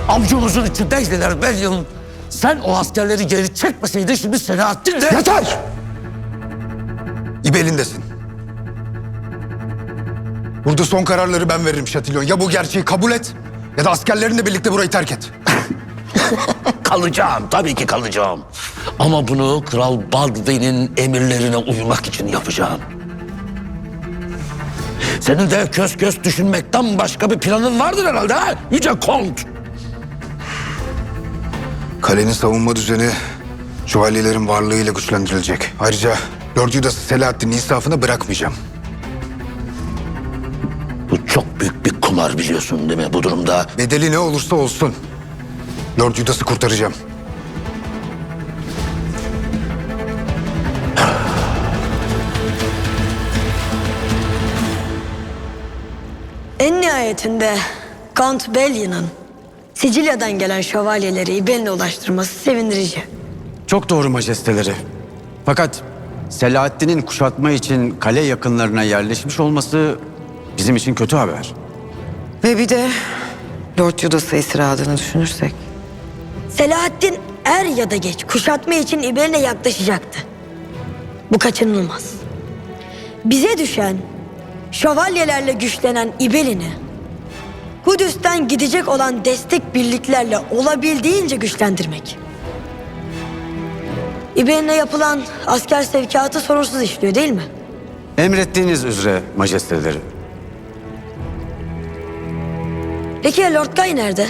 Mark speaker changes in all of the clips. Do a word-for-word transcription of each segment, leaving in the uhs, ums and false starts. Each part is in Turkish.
Speaker 1: Avcumuzun içindeydiler Belyon. Sen o askerleri geri çekmeseydin şimdi Selahattin de...
Speaker 2: Yeter! İbelindesin. Burada son kararları ben veririm Şatilyon. Ya bu gerçeği kabul et ya da askerlerinle birlikte burayı terk et.
Speaker 1: Kalacağım, tabii ki kalacağım. Ama bunu Kral Baldwin'in emirlerine uymak için yapacağım. Senin de kös kös düşünmekten başka bir planın vardır herhalde ha? Yüce Kont.
Speaker 2: Kalenin savunma düzeni şövalyelerin varlığıyla güçlendirilecek. Ayrıca Lord Judas'ı Selahattin'in insafına bırakmayacağım.
Speaker 1: Bu çok büyük bir kumar biliyorsun değil mi bu durumda?
Speaker 2: Bedeli ne olursa olsun Lord Judas'ı kurtaracağım.
Speaker 3: En nihayetinde Count Bellion'un Sicilya'dan gelen şövalyeleri İbelin'e ulaştırması sevindirici.
Speaker 4: Çok doğru majesteleri. Fakat Selahattin'in kuşatma için kale yakınlarına yerleşmiş olması bizim için kötü haber.
Speaker 5: Ve bir de Lord Judas'a esir aldığını düşünürsek.
Speaker 3: Selahattin er ya da geç kuşatma için İbelin'e yaklaşacaktı. Bu kaçınılmaz. Bize düşen şövalyelerle güçlenen İbelin'i Kudüs'ten gidecek olan destek birliklerle olabildiğince güçlendirmek. İbelin'e yapılan asker sevkiyatı sorunsuz işliyor değil mi?
Speaker 4: Emrettiğiniz üzere majesteleri.
Speaker 3: Peki ya Lord Guy nerede?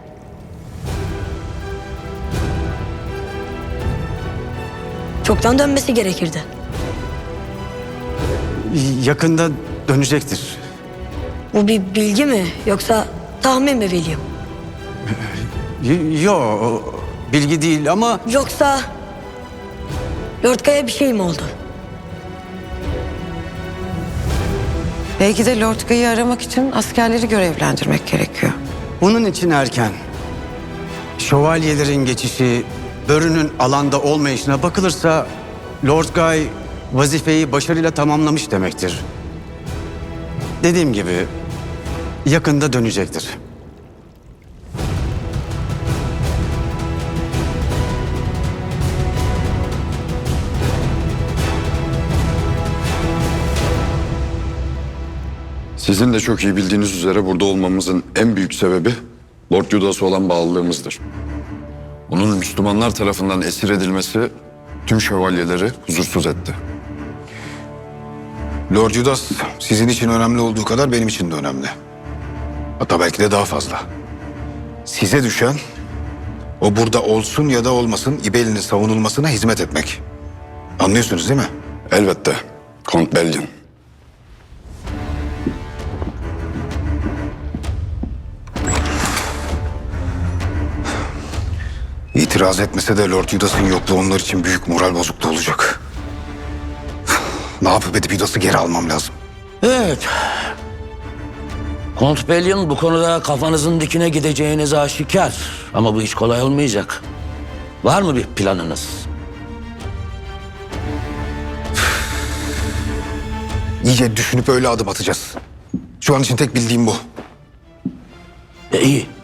Speaker 3: Çoktan dönmesi gerekirdi.
Speaker 4: Yakında dönecektir.
Speaker 3: Bu bir bilgi mi yoksa tahmin mi William?
Speaker 4: Y- Yo, bilgi değil ama
Speaker 3: Yoksa Lord Guy'a bir şey mi oldu?
Speaker 5: Belki de Lord Guy'ı aramak için askerleri görevlendirmek gerekiyor.
Speaker 4: bunun için erken. Şövalyelerin geçişi, Börü'nün alanda olmayışına bakılırsa Lord Guy vazifeyi başarıyla tamamlamış demektir. Dediğim gibi yakında dönecektir.
Speaker 6: Sizin de çok iyi bildiğiniz üzere burada olmamızın en büyük sebebi Lord Judas'a olan bağlılığımızdır. Onun Müslümanlar tarafından esir edilmesi tüm şövalyeleri huzursuz etti.
Speaker 2: Lord Judas sizin için önemli olduğu kadar benim için de önemli. Hatta belki de daha fazla. Size düşen o burada olsun ya da olmasın İbeli'nin savunulmasına hizmet etmek. Anlıyorsunuz değil mi?
Speaker 6: Elbette, Kont Bellion.
Speaker 2: İtiraz etmese de Lord Judas'ın yokluğu onlar için büyük moral bozukluğu olacak. Ne yapıp edip Judas'ı geri almam lazım.
Speaker 1: Evet. Kont Bellion bu konuda kafanızın dikine gideceğiniz aşikar. Ama bu hiç kolay olmayacak. Var mı bir planınız?
Speaker 2: İyice düşünüp öyle adım atacağız. Şu an için tek bildiğim bu.
Speaker 1: E, iyi.